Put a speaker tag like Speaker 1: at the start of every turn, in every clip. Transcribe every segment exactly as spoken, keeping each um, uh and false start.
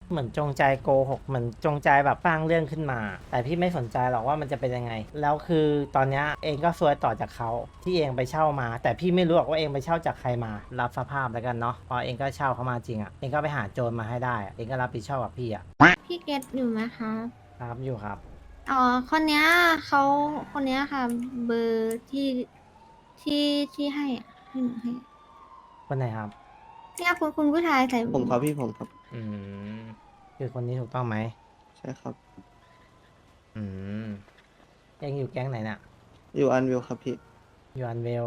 Speaker 1: เหมือนจงใจโกหกเหมือนจงใจแบบสร้างเรื่องขึ้นมา แต่พี่ไม่สนใจหรอกว่ามันจะเป็นยังไงแล้วคือตอนเนี้ยเองก็ซวยต่อจากเขาที่เองไปเช่ามา แต่พี่ไม่รู้หรอกว่าเองไปเช่าจากใครมารับสภาพแล้วกันเนาะพอเองก็เช่าเขามาจริงอ่ะเองก็ไปหาโจรมาให้ได้อะเองก็รับผิดชอบกับพี่อ่ะ
Speaker 2: พี่เกตอยู่ไหมครับ
Speaker 1: ครับอยู่ครับ
Speaker 2: อ๋อ คนเนี้ยเขาคนเนี้ยค่ะ เบอร์ที่ที่ที่ให้อะที่หนูให้
Speaker 1: คนไหนครับ
Speaker 2: เนี่ยคุณคุณผู้ชายใส่
Speaker 3: ผมครับพี่ผมครับ
Speaker 1: อืมคือคนนี้ถูกต้องไหม
Speaker 3: ใช่ครับ
Speaker 1: อืมเองอยู่แก๊งไหนน่ะ
Speaker 3: อยู่อันวิวครับพี่
Speaker 1: อยู่อันเวล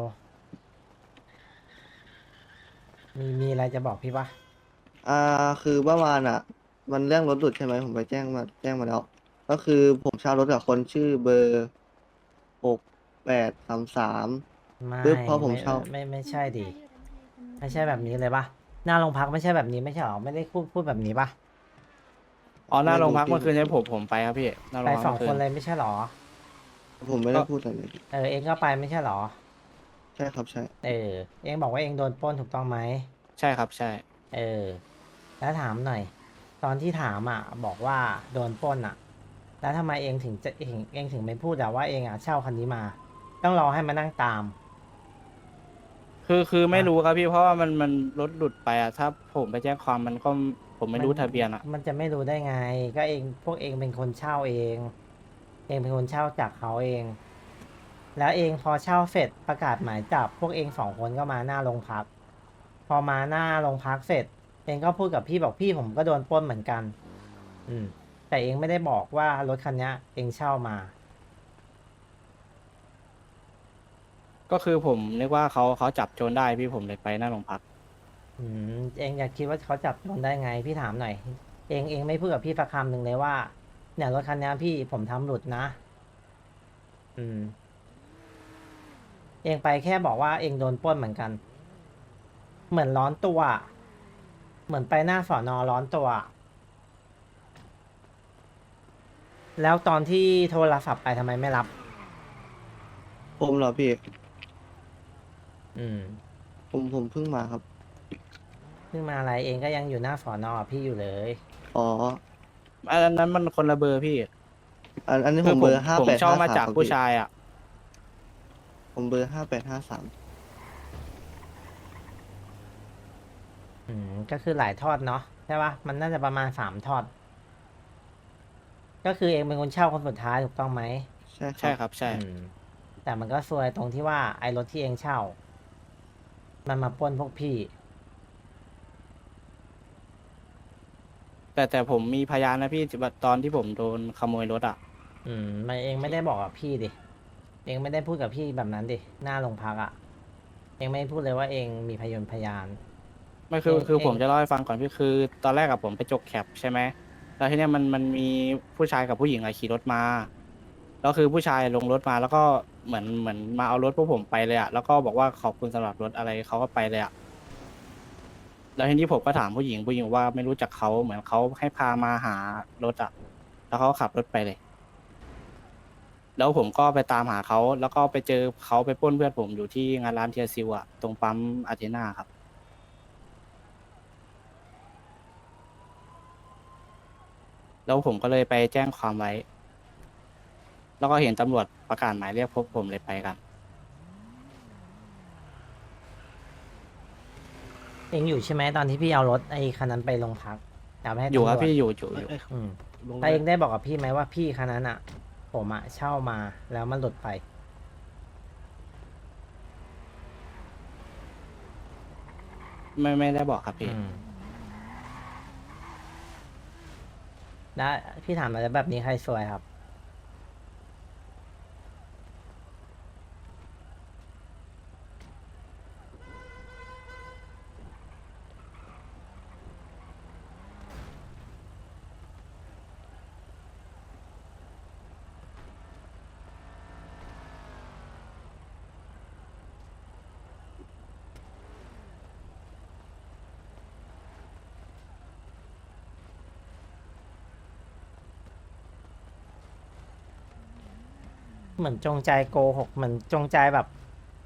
Speaker 1: มีมีอะไรจะบอกพี่ปะ
Speaker 3: อ่าคือเมื่อวานอ่ะมันเรื่องรถหลุดใช่ไหมผมไปแจ้งมาแจ้งมาแล้วก็คือผมเช่ารถกับคนชื่อเบอร์หกแปดสามสาม
Speaker 1: ไม่
Speaker 3: ปึ๊บพอผม
Speaker 1: ไม่
Speaker 3: เช่า
Speaker 1: ไม่ไม่ใช่ดิ ไม่ใช่แบบนี้เลยปะหน้าโรงพักไม่ใช่แบบนี้ไม่ใช่หรอไม่ได้พูดพูดแบบนี้ปะ
Speaker 4: อ๋อหน้า
Speaker 3: ไม่รู้
Speaker 4: โรงพักเมื่อคืนใช่
Speaker 3: พี่ผม
Speaker 4: ผมผมไปครับพี่หน้าโร
Speaker 1: ไป
Speaker 4: งพักเมื่อคืน
Speaker 1: สองคนเลยไม่ใช่หรอ
Speaker 3: ผมไม่ได้
Speaker 4: ก็
Speaker 3: พูดอะไรเลยพี่
Speaker 1: เออเองก็ไปไม่ใช่หรอ
Speaker 3: ใช่ครับใช่
Speaker 1: เออเองบอกว่าเองโดนปล้นถูกต้องไหม
Speaker 4: ใช่ครับใช่
Speaker 1: เออแล้วถามหน่อยตอนที่ถามอ่ะบอกว่าโดนปล้นอ่ะแล้วทำไมเองถึงจะเองเองถึงไม่พูดอะว่าเองอ่ะเช่าคันนี้มาต้องรอให้มานั่งตาม
Speaker 4: คือคือไม่
Speaker 1: อ่ะ
Speaker 4: รู้ครับพี่เพราะว่ามันมันรถหลุดไปอะถ้าผมไปแจ้งความมันก็ผมไม่
Speaker 1: มัน
Speaker 4: รู้ทะเบียนอะ
Speaker 1: มันจะไม่รู้ได้ไงก็เองพวกเองเป็นคนเช่าเองเองเป็นคนเช่าจากเขาเอง แล้วเองพอเช่าเสร็จประกาศหมายจับพวกเองสองคนก็มาหน้าโรงพักพอมาหน้าโรงพักเสร็จเองก็พูดกับพี่บอกพี่ผมก็โดนปล้นเหมือนกันอืมแต่เองไม่ได้บอกว่ารถคันนี้เองเช่ามา
Speaker 4: ก็คือผมนึกว่าเขาเขาจับโจรได้พี่ผมเลยไปหน้าโรงพัก
Speaker 1: อืมเองอยากคิดว่าเขาจับโดนได้ไงพี่ถามหน่อยเองเองไม่พูดกับพี่สักคำหนึ่งเลยว่าเนี่ยรถคันนี้พี่ผมทำหลุดนะอืมเองไปแค่บอกว่าเองโดนปล้นเหมือนกันเหมือนร้อนตัวเหมือนไปหน้าสอนอร้อนตัว แล้วตอนที่โทรศัพท์ไปทำไมไม่รับ
Speaker 3: ผมเหรอพี่
Speaker 1: อืม
Speaker 3: ผมผมเพิ่งมาครับ
Speaker 1: เพิ่งมาอะไรเองก็ยังอยู่หน้าสอนอพี่อยู่เลย
Speaker 3: อ๋อ
Speaker 4: อันนั้นมันคนละเบอร์พี่
Speaker 3: อันอันนี้
Speaker 4: คือผม
Speaker 3: ผมเบอร์ห้า
Speaker 4: ผม
Speaker 3: แปดห้า
Speaker 4: เช่ามาจากผู้
Speaker 3: สามครับพี่
Speaker 4: ชายอะ
Speaker 3: ผมเบอร์ห้าแปดห้าสาม
Speaker 1: อืมก็คือหลายทอดเนาะใช่ปะมันน่าจะประมาณสามทอด ก็คือเองเป็นคนเช่าคนสุดท้ายถูกต้องไหม
Speaker 3: ใช่ครั
Speaker 4: ใช่
Speaker 3: บ
Speaker 4: ครับใช่
Speaker 1: อืมแต่มันก็ซวยตรงที่ว่าไอ้รถที่เองเช่า มันมาปล้นพวกพี่
Speaker 4: แต่แต่ผมมีพยานนะพี่ตอนที่ผมโดนขโมยรถอะ
Speaker 1: อืมมันเองไม่ได้บอกกับพี่ดิ เองไม่ได้พูดกับพี่แบบนั้นดิ หน้าโรงพักอะ่ะ เองไม่พูดเลยว่าเองมีพยานพยาน
Speaker 4: ไม่
Speaker 1: เอง
Speaker 4: คือคือ
Speaker 1: เอง
Speaker 4: ผมจะเล่าให้ฟังก่อนพี่คือตอนแรกกับผมไปจกแคปใช่ไหมแล้วทีเนี้ยมันมันมีผู้ชายกับผู้หญิงอะขี่รถมาแล้วคือผู้ชายลงรถมาแล้วก็เหมือนเหมือนมาเอารถพวกผมไปเลยอะแล้วก็บอกว่าขอบคุณสำหรับรถอะไรเขาก็ไปเลยอะแล้วทีนี้ผมก็ถามผู้หญิงผู้หญิงว่าไม่รู้จักเขาเหมือนเขาให้พามาหารถอะแล้วเขาก็ขับรถไปเลยแล้วผมก็ไปตามหาเขาแล้วก็ไปเจอเขาไปปล้นเพื่อนผมอยู่ที่งานร้านเทียซิวอะตรงปั๊มอาเทนาครับแล้วผมก็เลยไปแจ้งความไว้ แล้วก็เห็นตำรวจประกาศหมายเรียกพวกผมเลยไปกัน
Speaker 1: เองอยู่ใช่ไหมตอนที่พี่เอารถไอ้คันนั้นไปโรงพักเอาไปให้
Speaker 4: อยู่ค
Speaker 1: ตำรวจ
Speaker 4: รับพี่อยู่อยู่อยู่
Speaker 1: อืมแต่เองได้บอกกับพี่ไหมว่าพี่คันนั้นอ่ะ ผมอ่ะเช่ามาแล้วมันหลุดไป
Speaker 4: ไม่ไม่ได้บอกครับพี่
Speaker 1: อืมแล้วพี่ถามมาแล้วแบบนี้ใครซวยครับเหมือนจงใจโกหกเหมือนจงใจแบบ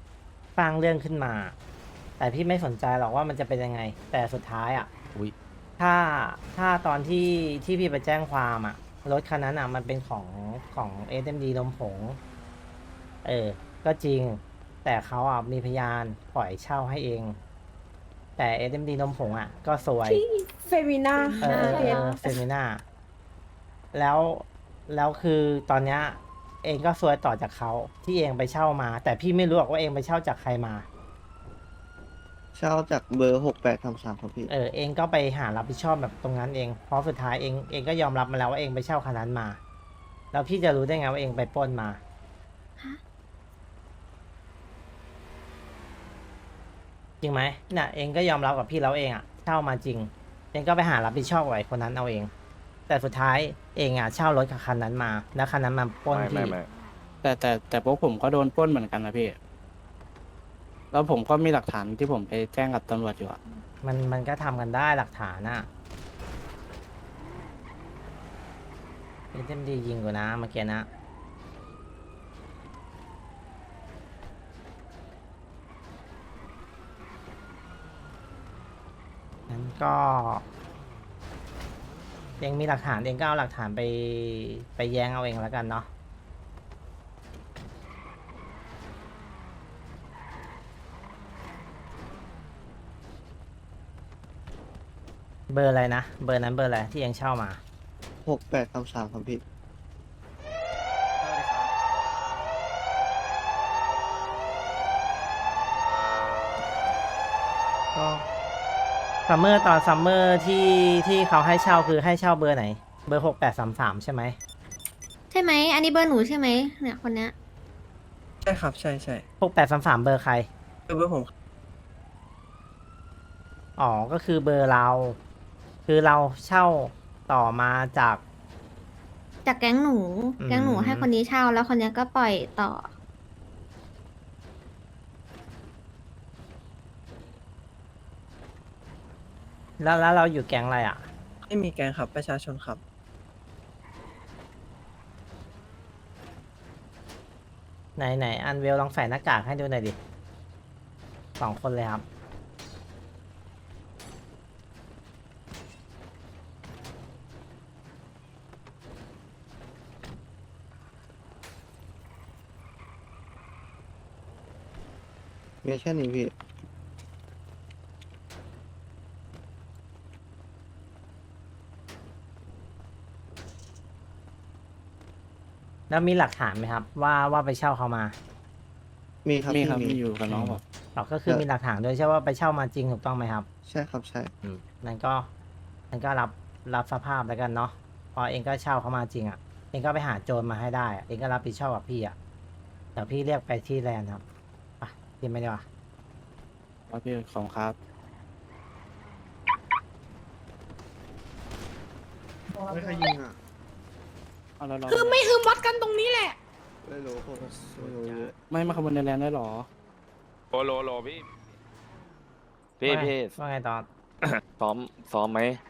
Speaker 1: สร้างเรื่องขึ้นมา แต่พี่ไม่สนใจหรอกว่ามันจะเป็นยังไง แต่สุดท้ายอ่ะ
Speaker 5: อุ้ย
Speaker 1: ถ้าถ้าตอนที่ที่พี่ไปแจ้งความอะรถคันนั้นอะมันเป็นของของเอสเอ็มดีลมผง เออ ก็จริง แต่เขาอ่ะมีพยานปล่อยเช่าให้เอง แต่เอสเอ็มดีนมผงอ่ะ ก็สวย
Speaker 5: ที่เฟมินา
Speaker 1: เออเออเออเฟมิน่าแล้วแล้วคือตอนเนี้ยเองก็ซวยต่อจากเขาที่เองไปเช่ามา แต่พี่ไม่รู้หรอกว่าเองไปเช่าจากใครมา
Speaker 3: เช่าจากเบอร์หกแปดสามสามครับพี่
Speaker 1: เออเองก็ไปหารับผิดชอบแบบตรงนั้นเองเพราะสุดท้ายเองเองก็ยอมรับมาแล้วว่าเองไปเช่าคันนั้นมา แล้วพี่จะรู้ได้ไงว่าเองไปปล้นมา จริงไหมน่ะเองก็ยอมรับกับพี่แล้วเองอ่ะเช่ามาจริง เองก็ไปหารับผิดชอบกับไอ้คนนั้นเอาเอง แต่สุดท้ายเองอ่ะเช่ารถกับคันนั้นมา แล้วคันนั้นมาปล้น
Speaker 6: ไม่
Speaker 1: พี่
Speaker 6: ไม่ไม่
Speaker 4: แต่แต่แต่พวกผมก็โดนปล้นเหมือนกันนะพี่ แล้วผมก็มีหลักฐานที่ผมไปแจ้งกับตำรวจอยู่อะ
Speaker 1: มันมันก็ทำกันได้หลักฐานอ่ะเอ็มดียิงกูนะเมื่อกี้นะ งั้นก็เองมีหลักฐานเองก็เอาหลักฐานไปไปแย้งเอาเองแล้วกันเนาะเบอร์อะไรนะ เบอร์นั้นเบอร์อะไรที่เองเช่ามา
Speaker 3: หกแปดสามสามครับพี่
Speaker 1: ก็ซัมเมอร์ตอนซัมเมอร์ที่ที่เขาให้เช่าคือให้เช่าเบอร์ไหน เบอร์หกแปดสามสามใช่ไหม
Speaker 2: ใช่ไหม อันนี้เบอร์หนูใช่ไหมเนี่ยคนเนี้ย
Speaker 7: ใช่ครับ ใช่ใช่
Speaker 1: หกแปดสามสามเบอร์ใคร
Speaker 7: คือเบอร์ผม
Speaker 1: อ๋อ ก็คือเบอร์เรา คือเราเช่าต่อมาจาก
Speaker 2: จากแก๊งหนู
Speaker 1: อืม
Speaker 2: แก๊งหนูให้คนนี้เช่าแล้วคนเนี้ยก็ปล่อยต่อ
Speaker 1: แล้วแล้วเราอยู่แก๊งอะไรอ่ะ
Speaker 7: ไม่มีแกงครับประชาชนครับ
Speaker 1: ไหนไหนอันเวลลองใส่หน้ากากให้ดูหน่อยดิสองคนเลยครับ
Speaker 3: มีแค่นี้พี่
Speaker 1: แล้วมีหลักฐานไหมครับ ว่าว่าไปเช่าเขามา
Speaker 3: มีครับ
Speaker 4: มี
Speaker 3: พี่
Speaker 4: ครับ
Speaker 3: มี
Speaker 4: มีอยู่กับน้องผม
Speaker 1: เราก็คือมีหลักฐานด้วยใช่ว่าไปเช่ามาจริงถูกต้องไหมครับ
Speaker 3: ใช่ครับใช่
Speaker 1: นั่นก็นั่นก็รับรับสภาพแล้วกันเนาะพอเองก็เช่าเขามาจริงอ่ะ เองก็ไปหาโจรมาให้ได้อะเองก็รับผิดชอบกับพี่อ่ะเดี๋ยวพี่เรียกไปที่แลนด์ครับไปกินไม่ได้วะ
Speaker 4: ว่าพี่ของครับ
Speaker 3: ไม่เคยยิงอ่ะ
Speaker 4: เอาแล้วเรา
Speaker 5: คือไม่อืมวัดกันตรงนี้แหละ
Speaker 3: ไม่รู้ผมไม่รู้เยอะ
Speaker 4: ไม่มาขบวนในแลนด์ได้หรอ
Speaker 6: โลโลโลพี่ พี่
Speaker 1: ว่าไง
Speaker 6: พี่
Speaker 1: ว่าไงตอน
Speaker 6: ซ้อมซ้อมไหม